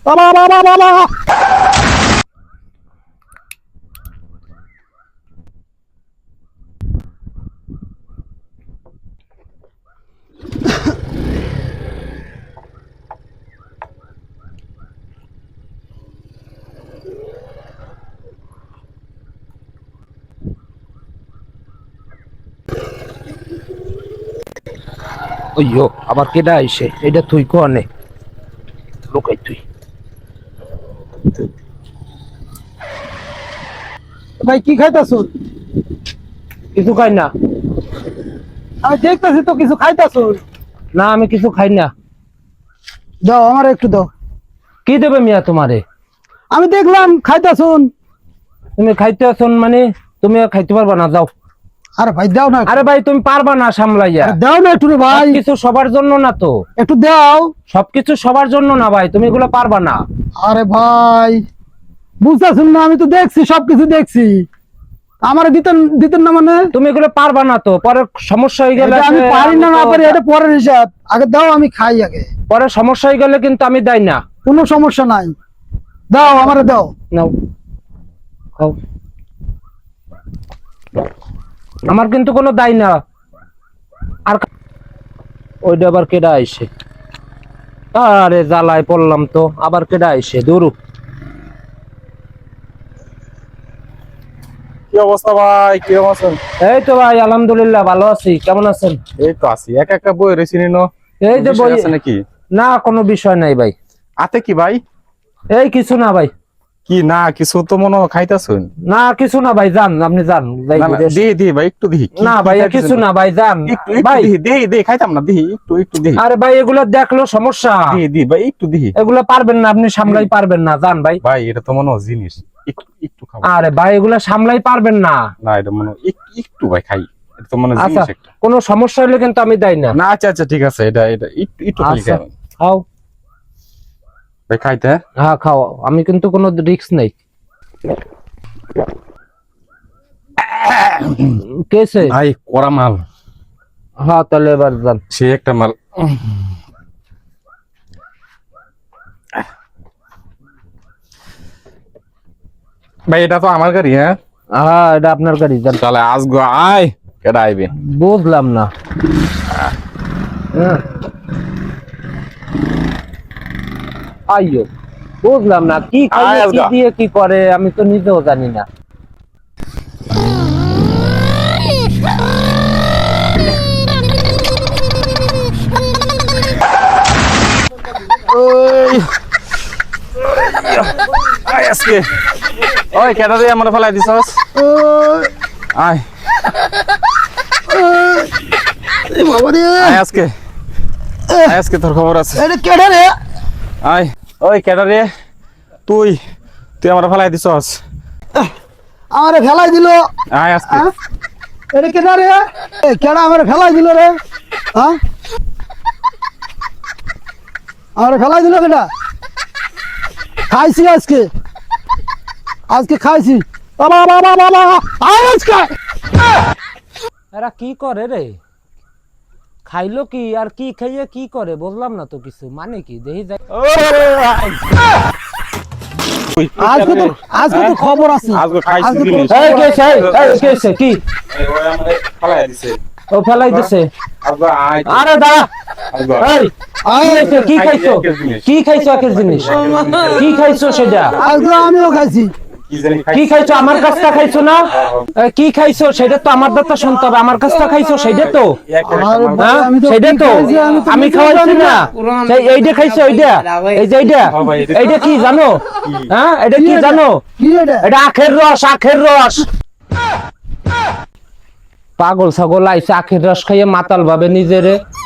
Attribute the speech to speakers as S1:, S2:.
S1: বাবা বাবা বাবা
S2: ওইয়ো আবার কেডা আইছে এটা তুই কোনে লোকাই তুই
S1: ভাই কি খাইতাছো?
S2: কিছু খাই না।
S1: আমি দেখতেছি তো কিছু খাইতাছো।
S2: না আমি কিছু খাই না।
S1: দাও আমার একটু দাও।
S2: কি দেবে মিয়া তোমারে?
S1: আমি দেখলাম খাইতাছো।
S2: তুমি খাইতে আছো মানে তুমি খাইতে পারবা না, যাও।
S1: আরে ভাই দাও না।
S2: আরে ভাই তুমি পারবা না সামলাইয়া।
S1: দাও না একটু রে ভাই।
S2: কিছু সবার জন্য না তো,
S1: একটু দাও।
S2: সবকিছু সবার জন্য না ভাই, তুমি এগুলো পারবা না।
S1: আরে ভাই বুঝতেছেন না, আমি তো দেখছি, সবকিছু দেখছি। আমার দিতেন দিতেন না মানে?
S2: তুমি এগুলো পারবা না তো, পরে সমস্যা হয়ে গেলে
S1: আমি পারি না, না পারি এটা পরের হিসাব। আগে দাও, আমি খাই আগে।
S2: পরে সমস্যা হয়ে গেলে কিন্তু আমি দেই না।
S1: কোনো সমস্যা নাই, দাও আমারে দাও।
S2: নাও খাও। আমার কিন্তু কোনো দায় না। আর ওইটা আবার কেডা আইছে? আরে জ্বালায় পড়লাম তো, আবার কেডা আইছে? দূর।
S3: কি অবস্থা ভাই? কি অবস্থা?
S2: এই তো ভাই আলহামদুলিল্লাহ ভালো আছি, কেমন আছেন?
S3: এই তো আছি, একা একা বই রয়েছি নিনো।
S2: এই যে বই
S3: আছে নাকি?
S2: না, কোনো বিষয় নাই ভাই।
S3: আতে কি ভাই?
S2: এই কিছু না ভাই।
S3: কি না কিছু তো মনে খাইতাছুন?
S2: না কিছু না ভাই, যান আপনি যান ভাই।
S3: দি দি ভাই একটু দি।
S2: না ভাই কিছু না ভাই, যান
S3: একটু
S2: ভাই।
S3: দি দি খাইতাম না, দি একটু একটু দি।
S2: আরে ভাই এগুলো দেখলো সমস্যা।
S3: দি দি ভাই একটু দি।
S2: এগুলো পারবেন না, আপনি সামলাই পারবেন না, যান ভাই।
S3: ভাই এটা তো মনে জিনিস, একটু একটু খাও।
S2: আরে ভাই এগুলো সামলাই পারবেন না।
S3: না এটা মনে একটু ভাই খাই, এটা তো মনে
S2: আচ্ছা
S3: জিনিস একটা।
S2: কোনো সমস্যা হলে কিন্তু আমি দেই না।
S3: না আচ্ছা আচ্ছা ঠিক আছে, এটা এটা একটু একটু খাই।
S2: আচ্ছা খাও
S3: ভাই খাইতে।
S2: হ্যাঁ খাও, আমি কিন্তু কোনো রিস্ক নেই। কেসে
S3: ভাই করা মাল।
S2: হ্যাঁ তাহলে এবার যান।
S3: সে একটা মাল। ভাই এটা তো আমার গাড়ি। হ্যাঁ
S2: হ্যাঁ এটা আপনার গাড়ি, যান।
S3: তাহলে আজ গো আয় কেডা আইবে?
S2: বুঝলাম না। হ্যাঁ। আইয়ো বুঝলাম না কি খাইয়ে কি দিয়ে কি করে, আমি তো নিজেও জানি না।
S3: ওই আয় আজকে ওই কেডা দিয়ে আমার ফেলাই দিছস? আয়
S1: বাবা রে,
S3: আয় আজকে, আয় আজকে তোর খবর আছে।
S1: এটা কেডা রে?
S3: আয় ওই কেডা রে? তুই তুই আমার ফেলাই দিছস।
S1: আমারে ফেলাই দিল।
S3: আয় আজকে।
S1: এটা কেডা রে? কেডা আমারে ফেলাই দিল রে? হ্যাঁ আমারে ফেলাই দিল কেডা? খাইছি আজকে, আজকে খাইছি। বাবা বাবা বাবা আয় আজকে।
S2: এরা কি করে রে? খাইলো কি আর কি খাইয়ে কি করে বুঝলাম না তো কিছু, মানে কি দেখি যাই।
S1: আজকে তো খবর আছে।
S3: আজকে খাইছি
S1: আজকে
S3: জিনিস।
S2: এই কেসে এই কেসে কি
S3: এই ওই আমারে ফেলাই দিছে।
S2: ও ফেলাই দিছে?
S3: আজকে আয়।
S2: আরে দাঁড়া।
S3: আজকে
S2: এই কি খাইছো? কি খাইছো একের জিনিস? কি খাইছো সেটা?
S1: আজকে আমিও খাইছি।
S3: কি জানি
S2: কি খাইছো? আমার কাছটা খাইছো না? কি খাইছো সেটা তো আমার দাঁতটা শুনতে হবে। আমার কাছটা খাইছো সেটা তো, হ্যাঁ সেটা তো আমি খাওয়াইছি না। সেই এইটা খাইছো, এইটা এই যে এইটা এইটা কি জানো? হ্যাঁ এটা কি জানো?
S1: কি এটা?
S2: এটা আখের রস, আখের রস। পাগল ছাগল আইছে আখের রস খাইয়ে মাতাল ভাবে নিজেরে।